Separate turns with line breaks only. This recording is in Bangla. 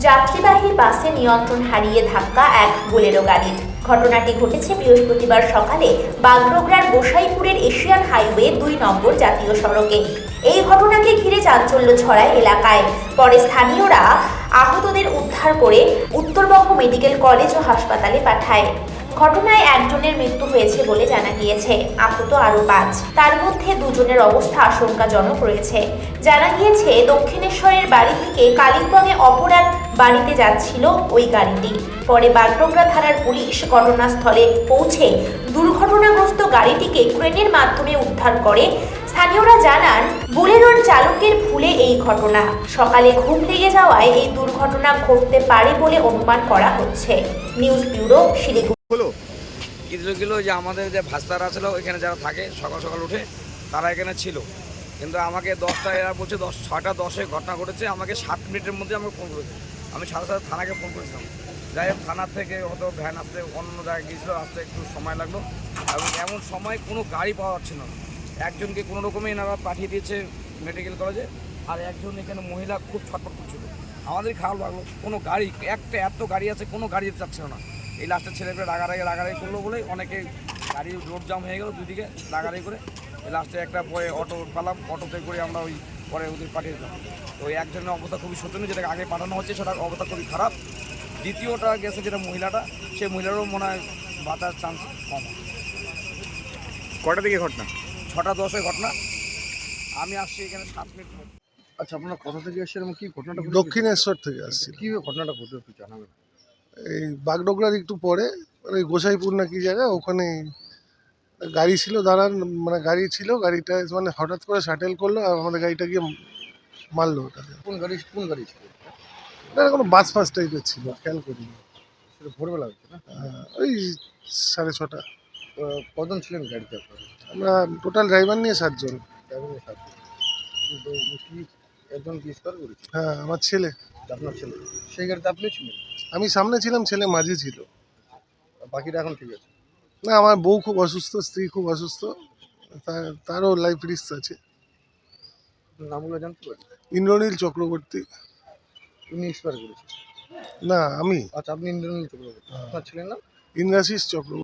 যাত্রীবাহী বাসে নিয়ন্ত্রণ হারিয়ে ধাক্কা এক বোলেরো গাড়ির। ঘটনাটি ঘটেছে বৃহস্পতিবার সকালে বাগডোগরার গোসাইপুরের এশিয়ান হাইওয়ে ২ নম্বর জাতীয় সড়কে। এই ঘটনাকে ঘিরে চাঞ্চল্য ছড়ায় এলাকায়। পরে স্থানীয়রা আহতদের উদ্ধার করে উত্তরবঙ্গ মেডিকেল কলেজ ও হাসপাতালে পাঠায়। ঘটনায় একজনের মৃত্যু হয়েছে বলে জানা গিয়েছে, আহত আরও ৫। তার মধ্যে দুজনের অবস্থা আশঙ্কাজনক রয়েছে। জানা গিয়েছে দক্ষিণেশ্বরের বাড়ি থেকে কালিম্পংয়ে অপর এক বাড়িতে যাচ্ছিল ওই গাড়িটি। পরে বাগডোগরা থানার পুলিশ ঘটনাস্থলে পৌঁছে দুর্ঘটনাগ্রস্ত গাড়িটিকে ক্রেনের মাধ্যমে উদ্ধার করে। স্থানীয়রা জানান, বোলেরোর চালকের ভুলে এই ঘটনা। সকালে ঘুম লেগে যাওয়ায় এই দুর্ঘটনা ঘটতে পারে বলে অনুমান করা হচ্ছে। News bureau, Siliguri.
গেলো যে আমাদের যে ভাস্তারা ছিল এখানে যারা থাকে সকাল সকাল উঠে তারা এখানে ছিল, কিন্তু আমাকে 10টা এরা বলছে 6:10 ঘটনা ঘটেছে। আমাকে 7 মিনিটের মধ্যে আমাকে ফোন করেছে। আমি সাথে সাথে থানাকে ফোন করেছিলাম। যাই হোক, থানার থেকে হয়তো ভ্যান আসতে অন্য জায়গায় গিয়েছিলো, আসতে একটু সময় লাগলো এবং এমন সময় কোনো গাড়ি পাওয়া যাচ্ছিল না। একজনকে কোনো রকমে এনারা পাঠিয়ে দিয়েছে মেডিকেল কলেজে, আর একজন এখানে মহিলা খুব ছটফট করছিল। আমাদের খারাপ লাগলো, কোনো গাড়ি একটা এত গাড়ি আছে, কোনো গাড়ি যেতে চাচ্ছিল না। এই লাস্টের ছেলেপেলে রাগারাগি করলো বলে অনেকে গাড়ি রোড জাম হয়ে গেল, দুদিকে রাগারাগি করে লাস্টে একটা পরে অটো পালাম, অটোতে করে আমরা ওই পরে ওদের পাঠিয়ে দিলাম। তো ওই একজনের অবস্থা খুবই শোচনীয়, যেটাকে আগে পাঠানো হচ্ছে সেটার অবস্থা খুবই খারাপ। দ্বিতীয়টা গেছে যেটা মহিলাটা, সেই মহিলারও মনে হয় বাঁচার চান্স কম।
কটা দিকে ঘটনা?
6:10 ঘটনা। আমি আসছি এখানে 7 মিনিট।
আচ্ছা, আপনার কোথা থেকে এসেছেন এবং কি ঘটনাটা?
দক্ষিণেশ্বর থেকে আসছি।
কি ঘটনাটা ঘটলো একটু জানাবেন?
এই বাগডোগরার একটু পরে মানে গোসাইপুর না কি জায়গা, ওখানে গাড়ি ছিল দাঁড়ান, মানে গাড়ি ছিল, গাড়িটা মানে হঠাৎ করে শাটেল করলো আর আমাদের গাড়িটা গিয়ে মারলো ওটাকে।
কোন গাড়ি ছিল?
না, কোনো বাস ফাস টাইপের ছিল, খেয়াল করিনি।
সেটা ভোরবেলা হচ্ছে না?
ওই 6:30।
কজন ছিলেন গাড়িতে আপনারা?
আমরা টোটাল ড্রাইভার নিয়ে 7 জন।
ড্রাইভারের সাথে কিন্তু কি একজন কি স্কোয়ার করেছে?
হ্যাঁ, আমার ছেলে।
আপনার ছেলে সেই গাড়িতে আপনি ছিলেন?
আমি সামনে ছিলাম, ছেলে মাঝে ছিল।
বাকিটা এখন ঠিক আছে?
না, আমার বউ খুব অসুস্থ, স্ত্রী খুব অসুস্থ, তারও লাইফ রিস্ক আছে।
আপনার নামগুলো জানতে পারি?
ইন্দ্রনীল চক্রবর্তী।
উনি এক্সপায়ার করেছে?
না, আমি
আচ্ছা, আপনি ইন্দ্রনীল চক্রবর্তী। আপনার ছেলের নাম?
ইন্দ্রাশিস চক্রবর্তী।